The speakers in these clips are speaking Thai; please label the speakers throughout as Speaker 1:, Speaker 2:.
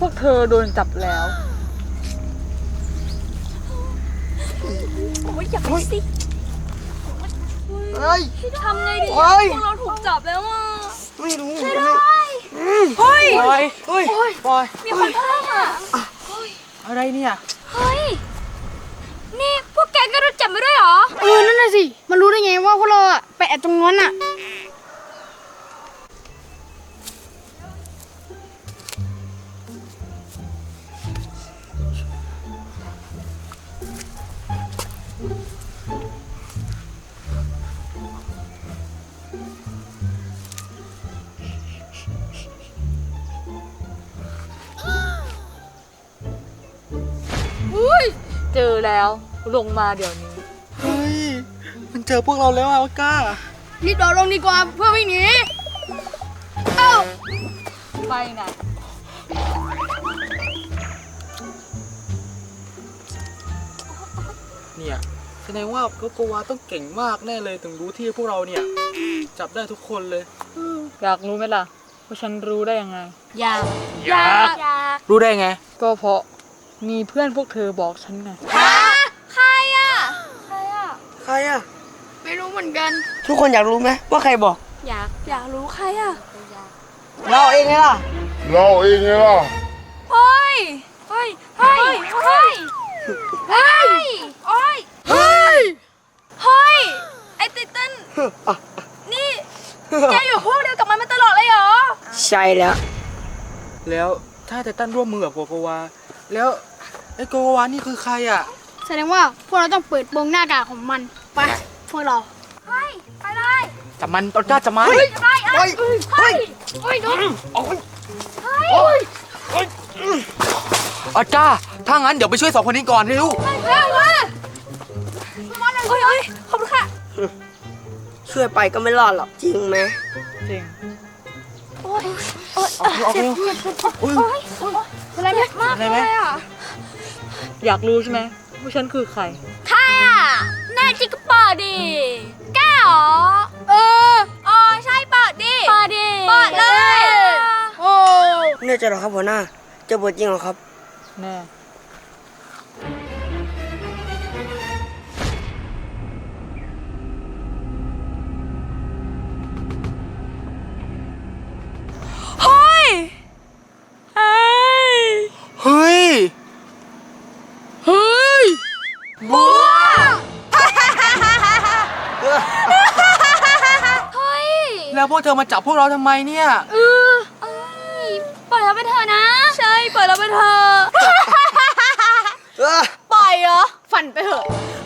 Speaker 1: วกเธอโดนจับแล้ว
Speaker 2: โอ้ยอย่าไปสิทำไงดีพวกเราถูกจับแล้วอ่ะ
Speaker 3: ไม่รู้
Speaker 2: ช่วยด้วยเฮ้ย
Speaker 1: บอยเฮ้ยบอย
Speaker 2: มีคนเพิ่มอ่ะ
Speaker 1: อะไรเนี่ย
Speaker 2: เฮ้ยนี่พวกแกก็โดนจับมาด้วยเหรอ
Speaker 4: นั่นน่ะสิมันรู้ได้ไงว่าพวกเราอะไปแอบตรงนั้นอะ
Speaker 1: เจอแล้วลงมาเดี๋ยวนี้
Speaker 3: เฮ้ยมันเจอพวกเราแล้วอะก้า
Speaker 4: รีบโดดลงดีกว่าเพื่อวิ่งหนีเอ้า
Speaker 1: ไปไหน
Speaker 3: เนี่ยแสดงว่าโกโกวาต้องเก่งมากแน่เลยถึงรู้ที่พวกเราเนี่ยจับได้ทุกคนเลย
Speaker 1: อยากรู้ไหมล่ะว่าฉันรู้ได้ยังไง
Speaker 2: อยาก
Speaker 3: รู้ได้ไง
Speaker 1: ก็เพราะมีเพื่อนพวกเธอบอกฉันไง
Speaker 2: ใครอ่ะ
Speaker 3: ใครอะ
Speaker 4: ไม่รู้เหมือนกัน
Speaker 3: ทุกคนอยากรู้ไหมว่าใครบอก
Speaker 2: อยากรู้ใครอ่ะ
Speaker 3: เราเองไงล่ะ
Speaker 2: เฮ้ยเฮ้ยเฮ้ยเฮ้ยเฮ้ยเฮ้ยเฮ้ยเฮ้ยไอ้ติตันนี่แกอยู่พวกเดียวกับมันมาตลอดเลยเหรอ
Speaker 3: ใช่แล้ว แล้วถ้าไททันร่วมมือกับโกโกวาแล้วไอ้โกโกวานี่คือใครอะ
Speaker 4: แสดงว่าพวกเราต้องเปิดโปงหน้ากากของมันไปพวกเรา
Speaker 2: เฮ้ยไปเลย
Speaker 3: แต่มันต้นกล้าจะมา
Speaker 2: ไปเฮ้ยเฮ้ย
Speaker 4: โอ้ยโดน
Speaker 3: อาจ้าถ้างั้นเดี๋ยวไปช่วยสองคนนี้ก่อนเร็ว
Speaker 2: เร็วมาโอ้ยโอ้ยขอบคุณค่ะ
Speaker 5: ช่วยไปก็ไม่รอดหรอกจริงไหม
Speaker 1: จริง
Speaker 2: โอ้ยโอ้ย
Speaker 3: เอาเร็ว
Speaker 2: โอ้ยอะไรเจ็บมากเลยอ่ะ
Speaker 1: อยากรู้ใช่ไหมว่าฉันคือใคร
Speaker 2: ใครอ่ะแน่จริงก็เปิดดิแกเหรออ๋อใช่เปิดดิเปิดเลย
Speaker 4: โอ้
Speaker 5: แน่ใจเหรอครับหัวหน้าเจะบทจริงเหรอครับ
Speaker 1: แน่
Speaker 2: เฮ้ยเฮ้ย
Speaker 3: เฮ้ย
Speaker 4: เฮ้ย
Speaker 2: บัวเฮ้ย
Speaker 3: แล้วพวกเธอมาจับพวกเราทำไมเนี่ย
Speaker 2: เอ้ยปล่อยเราไปเถอะนะ ใช่ปล่อยเราไปเถอะ ปล่อยเหรอ
Speaker 4: ฝันไปเถอะ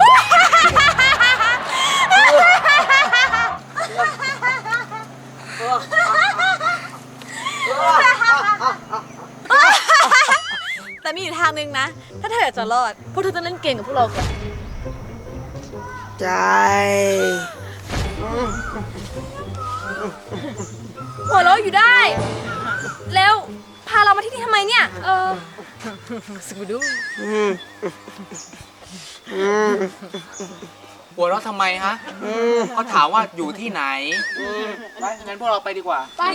Speaker 2: แต่มีอยู่ทางนึงนะ ถ้าเธออยากจะรอด พวกเธอต้องเล่นเกมกับพวกเราก่อน
Speaker 5: ใจ
Speaker 2: หัวเราะอยู่ได้ แล้วพาเรามาที่นี่ทำไมเนี่ย
Speaker 1: สกูดู
Speaker 3: หัวเราะทำไมฮะเขาถามว่าอยู่ที่ไหนไปงั้นพวกเราไปดีกว่า
Speaker 2: ไป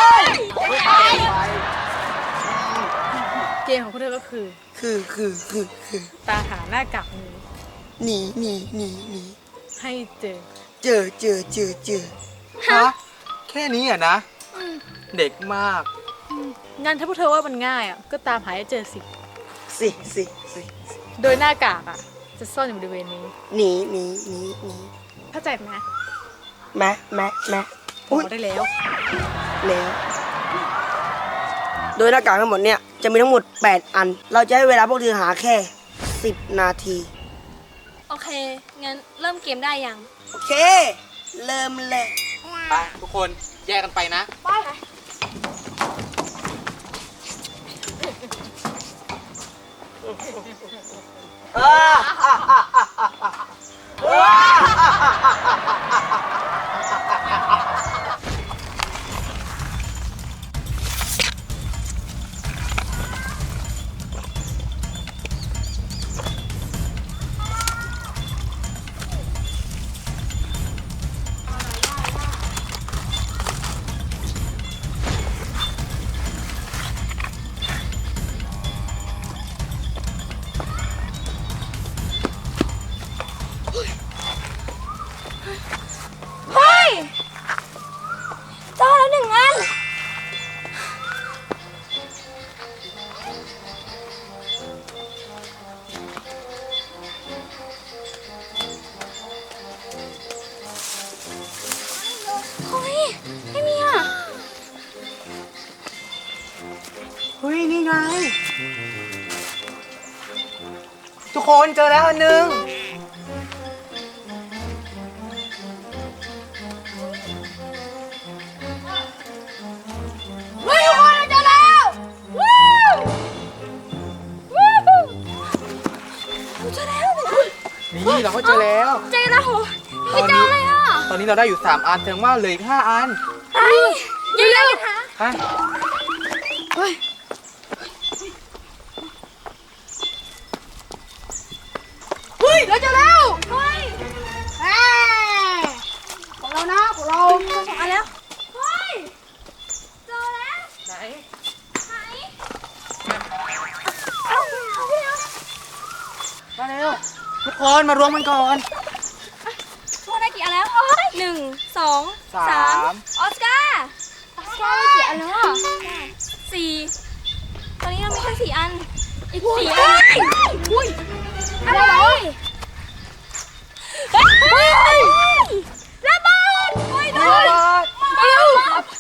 Speaker 1: เกมของพวกเธอก็คือ
Speaker 5: คือ
Speaker 1: ตามหาหน้ากากนี้
Speaker 5: หนี
Speaker 1: ให้เจอ
Speaker 5: เจอ
Speaker 3: ฮะ แค่นี้อ่ะนะ เด็กมาก
Speaker 1: งั้นถ้าพวกเธอว่ามันง่ายอ่ะก็ตามหาให้เจอสิ
Speaker 5: สิ
Speaker 1: โดยหน้ากากอ่ะจะซ่อนอยู่บริเวณนี้
Speaker 5: หนี
Speaker 1: เข้าใจไหม
Speaker 5: แม่
Speaker 1: บอกได้แล้ว
Speaker 5: แล้วโดยหน้ากากทั้งหมดเนี่ยจะมีทั้งหมด8อัน เราจะให้เวลาพวกเธอหาแค่10นาที
Speaker 2: โอเค งั้นเริ่มเกมได้ยัง
Speaker 5: โอเค เริ่มเลย
Speaker 3: ไปทุกคนแยกกันไปนะ
Speaker 2: ไป
Speaker 5: เ
Speaker 3: เฮ้ย นี่ไง ทุกคนเจอแล้วอันหนึง
Speaker 4: เฮ้ยทุกคนเราเจอแล้ววู้วู้
Speaker 3: นี่เราก็เจอแล้ว
Speaker 2: เจอแล้วเหรอไม่เจอเลยอ่ะ
Speaker 3: ตอนนี้เราได้อยู่ 3 อันแสดงว่าเหลืออีก5 อัน
Speaker 2: ไปเร็วๆค่ะ
Speaker 3: ไป
Speaker 4: เฮ้ยเราเจอแล้ว
Speaker 2: เฮ้ย
Speaker 4: แหมของเรานะของเรา
Speaker 2: เจอ2 อันแล้วเฮ้ยเจอแล้ว
Speaker 3: ไหน
Speaker 2: ไหนเอาพี่แล้ว
Speaker 3: มาเร็ว ทุกคนมารวมกันก่อน
Speaker 2: พวกได้กี่อันแล้ว1 2
Speaker 3: สาม
Speaker 2: 3ออสการ์
Speaker 4: ใช่กี่อันแล้วอ่ะ
Speaker 2: 4ตอนนี้เรามีแค่4 อันอีก4 อันอุ้ยอะไรเฮ้ยระเบิดโอ้ยโดนเร็ว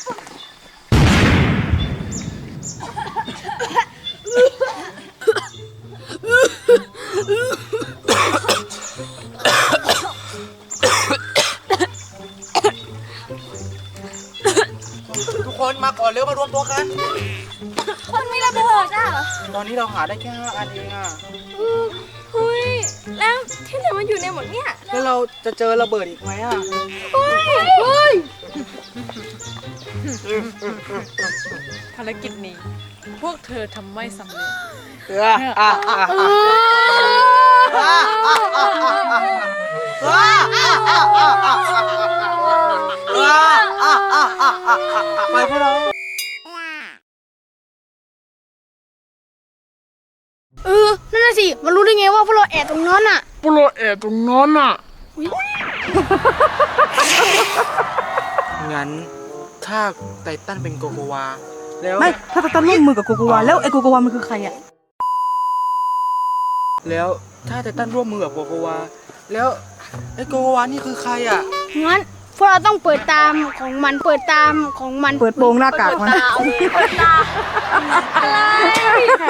Speaker 3: ทุกคนมาก่อนเร็วมารวมตัวกัน
Speaker 2: คนไม่ระเบิดอ่ะ
Speaker 3: ตอนนี้เราหาได้แค่5 อันเองอะ
Speaker 2: เฮ้ยแล้วที่ไหนมันอยู่ในหมดเนี่ย
Speaker 3: แล้วเราจะเจอระเบิดอีกไหมอะ
Speaker 2: เฮ้ย
Speaker 1: ภารกิจนี้ พวกเธอทำไม่สำเร็จ
Speaker 3: ไปพวกเรา
Speaker 4: นั่นน่ะสิมันรู้ได้ไงว่าพวกเราแอบตรงนั้นอ่ะ
Speaker 3: งั้นถ้าไททันเป็นโกโกวา แล้ว
Speaker 6: ไม่ถ้าไททันร่วมมือกับโกโกวาแล้วไอ้โกโกวามันคือใครอ่ะ
Speaker 3: แล้วถ้าไททันร่วมมือกับโกโกวา แล้วไอ้โกโกวานี่คือใครอ่ะ
Speaker 4: งั้นพวกเราต้องเปิดตามของมันเปิดตามของมัน
Speaker 6: เปิดโปงหน้ากากมัน
Speaker 2: อะไร